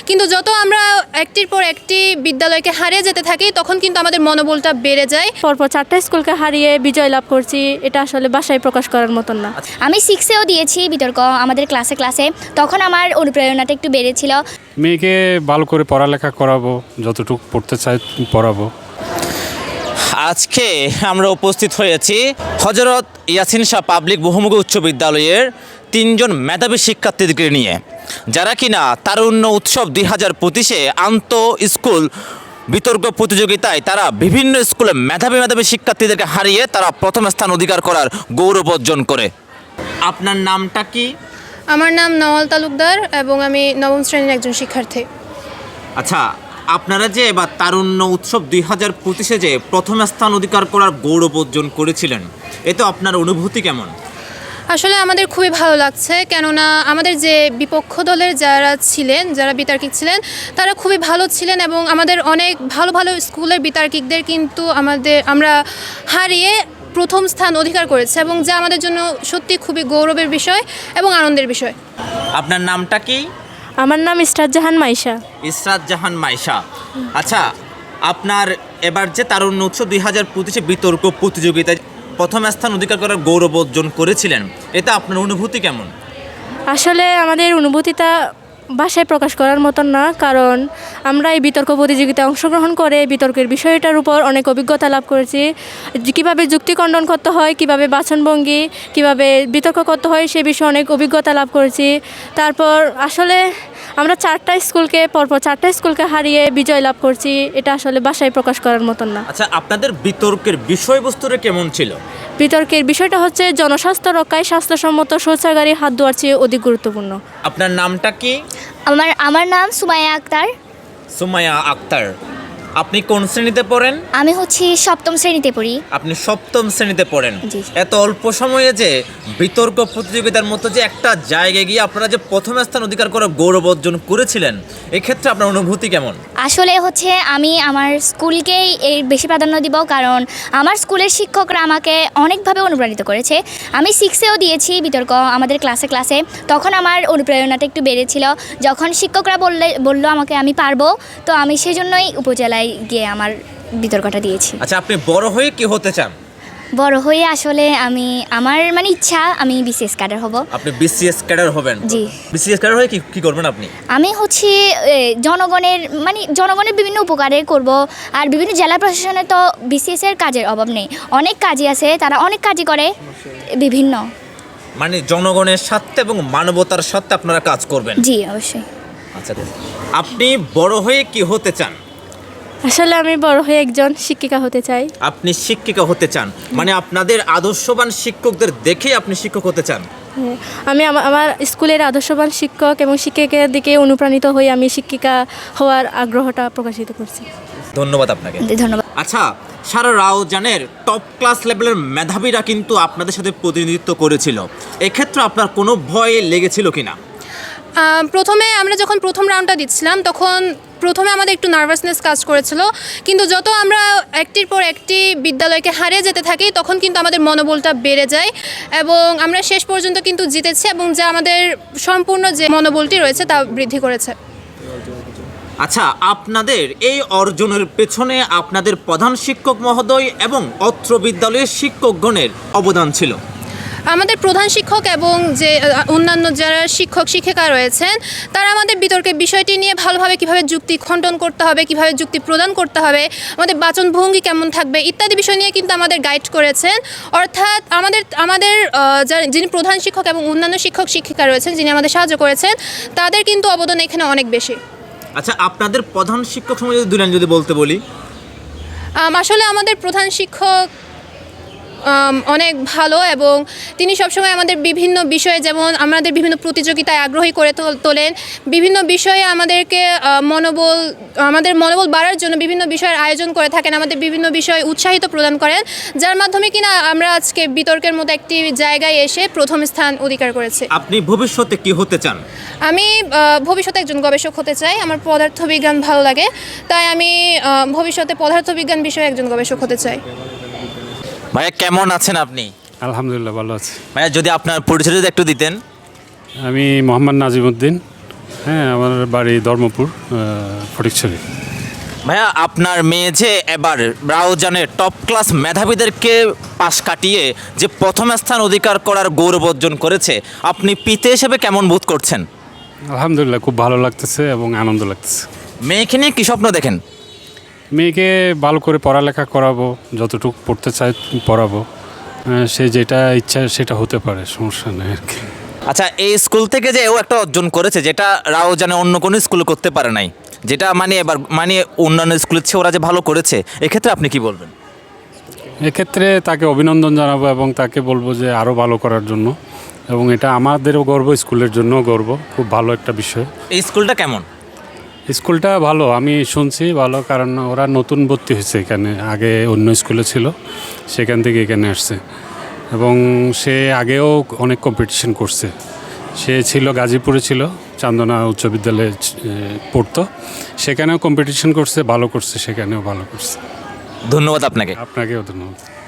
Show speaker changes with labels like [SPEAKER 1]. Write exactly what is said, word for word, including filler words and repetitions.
[SPEAKER 1] কিন্তু যত আমরা একটির পর একটি বিদ্যালয়কে হারিয়ে যেতে থাকি তখন কিন্তু আমাদের মনোবলটা বেড়ে যায়।
[SPEAKER 2] পরপর চারটা স্কুলকে হারিয়ে বিজয় লাভ করছি, এটা আসলে ভাষায় প্রকাশ করার মতন না।
[SPEAKER 3] আমি সিক্সেও দিয়েছি বিতর্ক আমাদের ক্লাসে ক্লাসে তখন আমার অনুপ্রেরণাটা একটু বেড়েছিল।
[SPEAKER 4] মেয়েকে ভালো করে পড়ালেখা করাবো, যতটুকু পড়তে চাই পড়াবো।
[SPEAKER 5] আজকে আমরা উপস্থিত হয়েছি হযরত ইয়াসিন শাহ পাবলিক বহুমুখী উচ্চ বিদ্যালয়ের তিনজন মেধাবী শিক্ষার্থীদেরকে নিয়ে, যারা কিনা তারুণ্য উৎসব দুই হাজার পঁচিশে আন্ত স্কুল বিতর্ক প্রতিযোগিতায় তারা বিভিন্ন স্কুলে মেধাবী মেধাবী শিক্ষার্থীদেরকে হারিয়ে তারা প্রথম স্থান অধিকার করার গৌরব অর্জন করে। আপনার নামটা কি?
[SPEAKER 1] আমার নাম নওয়াল তালুকদার এবং আমি নবম শ্রেণীর একজন শিক্ষার্থী।
[SPEAKER 5] আচ্ছা, আপনারা যে এবার তারুণ্য উৎসব দুই হাজার পঁচিশে যে প্রথম স্থান অধিকার করার গৌরব অর্জন করেছিলেন, এতে আপনার অনুভূতি কেমন?
[SPEAKER 1] আসলে আমাদের খুবই ভালো লাগছে, কেননা আমাদের যে বিপক্ষ দলের যারা ছিলেন, যারা বিতার্কিক ছিলেন, তারা খুবই ভালো ছিলেন এবং আমাদের অনেক ভালো ভালো স্কুলের বিতার্কিকদের কিন্তু আমাদের আমরা হারিয়ে প্রথম স্থান অধিকার করেছে এবং যা আমাদের জন্য সত্যি খুবই গৌরবের বিষয় এবং আনন্দের বিষয়।
[SPEAKER 5] আপনার নামটা কি?
[SPEAKER 2] আমার নাম ইসরাত জাহান মাইশা।
[SPEAKER 5] ইসরাত জাহান মাইশা। আচ্ছা, আপনার এবার যে তারুণ্য উৎসব দুই হাজার পঁচিশে বিতর্ক প্রতিযোগিতায় প্রথম স্থান অধিকার করার গৌরব অর্জন করেছিলেন, এতে আপনার অনুভূতি কেমন?
[SPEAKER 2] আসলে আমাদের অনুভূতিটা ভাষায় প্রকাশ করার মতন না, কারণ আমরা এই বিতর্ক প্রতিযোগিতায় অংশগ্রহণ করে বিতর্কের বিষয়টার উপর অনেক অভিজ্ঞতা লাভ করেছি। কীভাবে যুক্তি খণ্ডন করতে হয়, কীভাবে বাচনভঙ্গি, কীভাবে বিতর্ক করতে হয়, সে বিষয়ে অনেক অভিজ্ঞতা লাভ করেছি। তারপর আসলে আমরা চারটা স্কুলকে পরপর চারটা স্কুলকে হারিয়ে বিজয় লাভ করছি, এটা আসলে ভাষায় প্রকাশ করার মতন না।
[SPEAKER 5] আচ্ছা, আপনাদের বিতর্কের বিষয়বস্তুটা কেমন ছিল?
[SPEAKER 2] বিতর্কের বিষয়টা হচ্ছে জনস্বাস্থ্য রক্ষায় স্বাস্থ্যসম্মত শৌচাগারে হাত ধোয়ার চেয়ে অধিক গুরুত্বপূর্ণ।
[SPEAKER 5] আপনার নামটা কি?
[SPEAKER 3] আমার আমার নাম সুমাইয়া আক্তার।
[SPEAKER 5] সুমাইয়া আক্তার। আপনি কোন শ্রেণীতে পড়েন?
[SPEAKER 3] আমি হচ্ছি সপ্তম শ্রেণীতে পড়ি।
[SPEAKER 5] আপনি সপ্তম শ্রেণীতে পড়েন।
[SPEAKER 3] জি।
[SPEAKER 5] এত অল্প সময়ে যে বিতর্ক প্রতিযোগিতার মতো যে একটা জায়গায় গিয়ে আপনারা যে প্রথম স্থান অধিকার করে গৌরব অর্জন করেছিলেন, এক্ষেত্রে আপনার অনুভূতি কেমন?
[SPEAKER 3] আসলে হচ্ছে আমি আমার স্কুলকেই এর বেশি প্রাধান্য দিব, কারণ আমার স্কুলের শিক্ষকরা আমাকে অনেকভাবে অনুপ্রাণিত করেছে। আমি সিক্সেও দিয়েছি বিতর্ক আমাদের ক্লাসে ক্লাসে তখন আমার অনুপ্রেরণাটা একটু বেড়েছিল। যখন শিক্ষকরা বললে বললো আমাকে আমি পারবো, তো আমি সেজন্যই উপজেলায় গিয়ে আমার বিতর্কটা দিয়েছি।
[SPEAKER 5] আচ্ছা, আপনি বড় হয়ে কি হতে চান?
[SPEAKER 3] বড় হয়ে আসলে আমি আমার মানে ইচ্ছা আমি বিসিএস ক্যাডার হব।
[SPEAKER 5] আপনি বিসিএস ক্যাডার হবেন?
[SPEAKER 3] জি।
[SPEAKER 5] বিসিএস ক্যাডার হয়ে কি কি করবেন আপনি?
[SPEAKER 3] আমি হচ্ছে এ, জনগণের মানে জনগণের বিভিন্ন উপকারে করব। আর বিভিন্ন জেলা প্রশাসনে তো বিসিএস এর কাজের অভাব নেই, অনেক কাজই আছে, তারা অনেক কাজই করে বিভিন্ন।
[SPEAKER 5] মানে জনগণের স্বার্থে এবং মানবতার স্বার্থে আপনারা কাজ করবেন?
[SPEAKER 3] জি অবশ্যই।
[SPEAKER 5] আচ্ছা, আপনি বড় হয়ে কি হতে চান?
[SPEAKER 2] আসলে আমি বড় হয়ে একজন শিক্ষিকা হতে চাই।
[SPEAKER 5] আপনি শিক্ষিকা হতে চান, মানে আপনাদের আদর্শবান শিক্ষকদের দেখেই আপনি শিক্ষক হতে চান?
[SPEAKER 2] হ্যাঁ, আমি আমা- আমার স্কুলের আদর্শবান শিক্ষক এবং শিক্ষকের দিকে অনুপ্রাণিত হয়ে আমি শিক্ষিকা হওয়ার আগ্রহটা প্রকাশিত করছি।
[SPEAKER 5] ধন্যবাদ আপনাকে।
[SPEAKER 3] ধন্যবাদ।
[SPEAKER 5] আচ্ছা, সারা রাউজানের টপ ক্লাস লেভেলের মেধাবীরা কিন্তু আপনাদের সাথে প্রতিনিধিত্ব করেছিল, এক্ষেত্রে আপনার কোনো ভয় লেগেছিল কিনা?
[SPEAKER 1] আহ, প্রথমে আমরা যখন প্রথম রাউন্ডটা দিচ্ছিলাম তখন প্রথমে আমাদের একটু নার্ভাসনেস কাজ করেছিল, কিন্তু যত আমরা একটির পর একটি বিদ্যালয়কে হারিয়ে যেতে থাকি তখন কিন্তু আমাদের মনোবলটা বেড়ে যায় এবং আমরা শেষ পর্যন্ত কিন্তু জিতেছি এবং যা আমাদের সম্পূর্ণ যে মনোবলটি রয়েছে তা বৃদ্ধি করেছে।
[SPEAKER 5] আচ্ছা, আপনাদের এই অর্জনের পেছনে আপনাদের প্রধান শিক্ষক মহোদয় এবং অত্র বিদ্যালয়ের শিক্ষকগণের অবদান ছিল।
[SPEAKER 1] আমাদের প্রধান শিক্ষক এবং যে আহ, অন্যান্য যারা শিক্ষক শিক্ষিকা রয়েছেন তারা আমাদের বিতর্কের বিষয়টি নিয়ে ভালোভাবে কিভাবে যুক্তি খণ্ডন করতে হবে, কিভাবে যুক্তি প্রদান করতে হবে, আমাদের বাচনভঙ্গি কেমন থাকবে ইত্যাদি বিষয় নিয়ে কিন্তু আমাদের গাইড করেছেন। অর্থাৎ আমাদের আমাদের আহ, যারা যিনি প্রধান শিক্ষক এবং অন্যান্য শিক্ষক শিক্ষিকা রয়েছেন যিনি আমাদের সাহায্য করেছেন তাদের কিন্তু অবদান এখানে অনেক বেশি।
[SPEAKER 5] আচ্ছা, আপনাদের প্রধান শিক্ষক সম্বন্ধে যদি দুই লাইন যদি বলতে বলি।
[SPEAKER 1] আম, আসলে আমাদের প্রধান শিক্ষক আম, অনেক ভালো এবং তিনি সবসময় আমাদের বিভিন্ন বিষয়ে, যেমন আমাদের বিভিন্ন প্রতিযোগিতায় আগ্রহী করে তোল- তোলেন বিভিন্ন বিষয়ে আমাদেরকে আহ, মনোবল আমাদের মনোবল বাড়ার জন্য বিভিন্ন বিষয়ের আয়োজন করে থাকেন, আমাদের বিভিন্ন বিষয়ে উৎসাহিত প্রদান করেন, যার মাধ্যমে কিনা আমরা আজকে বিতর্কের মতো একটি জায়গায় এসে প্রথম স্থান অধিকার করেছি।
[SPEAKER 5] আপনি ভবিষ্যতে কি হতে চান?
[SPEAKER 1] আমি আহ, ভবিষ্যতে একজন গবেষক হতে চাই, আমার পদার্থবিজ্ঞান ভালো লাগে, তাই আমি আহ, ভবিষ্যতে পদার্থবিজ্ঞান বিষয়ে একজন গবেষক হতে চাই।
[SPEAKER 5] ভাইয়া, কেমন আছেন আপনি?
[SPEAKER 4] আলহামদুলিল্লাহ ভালো আছি।
[SPEAKER 5] ভাইয়া, যদি আপনার পরিচয় যদি একটু দিতেন।
[SPEAKER 4] আমি মোহাম্মদ নাজিমউদ্দিন, হ্যাঁ, আমার বাড়ি ধর্মপুর, আহ, ফটিকছড়ি।
[SPEAKER 5] ভাইয়া, আপনার মেয়ে যে এবার রাউজানের টপ ক্লাস মেধাবীদেরকে পাশ কাটিয়ে যে প্রথম স্থান অধিকার করার গৌরব অর্জন করেছে, আপনি পিতা হিসেবে কেমন বোধ করছেন?
[SPEAKER 4] আলহামদুলিল্লাহ, খুব ভালো লাগতেছে এবং আনন্দ লাগতেছে।
[SPEAKER 5] মেয়েকে নিয়ে কী স্বপ্ন দেখেন?
[SPEAKER 4] মেয়েকে ভালো করে পড়ালেখা করাবো, যতটুকু পড়তে চাই পড়াবো। আহ, সে যেটা ইচ্ছা সেটা হতে পারে, সমস্যা নেই আর কি।
[SPEAKER 5] আচ্ছা, এই স্কুল থেকে যে ও একটা অর্জন করেছে যেটা রাউজানে অন্য কোনো স্কুলে করতে পারে নাই, যেটা মানে এবার মানে অন্যান্য স্কুলের চেয়ে ওরা যে ভালো করেছে, এক্ষেত্রে আপনি কি বলবেন?
[SPEAKER 4] এক্ষেত্রে তাকে অভিনন্দন জানাবো এবং তাকে বলবো যে আরও ভালো করার জন্য, এবং এটা আমাদেরও গর্ব, স্কুলের জন্যও গর্ব। খুব ভালো একটা বিষয়।
[SPEAKER 5] এই স্কুলটা কেমন?
[SPEAKER 4] স্কুলটা ভালো, আমি শুনছি ভালো, কারণ ওরা নতুন ভর্তি হয়েছে এখানে, আগে অন্য স্কুলে ছিল, সেখান থেকে এখানে আসছে। এবং সে আগেও অনেক কম্পিটিশন করছে। সে ছিল গাজীপুরে, ছিল চান্দনা উচ্চ বিদ্যালয়ে এ, পড়তো, সেখানেও কম্পিটিশন করছে, ভালো করছে, সেখানেও ভালো করছে।
[SPEAKER 5] ধন্যবাদ আপনাকে।
[SPEAKER 4] আপনাকেও ধন্যবাদ।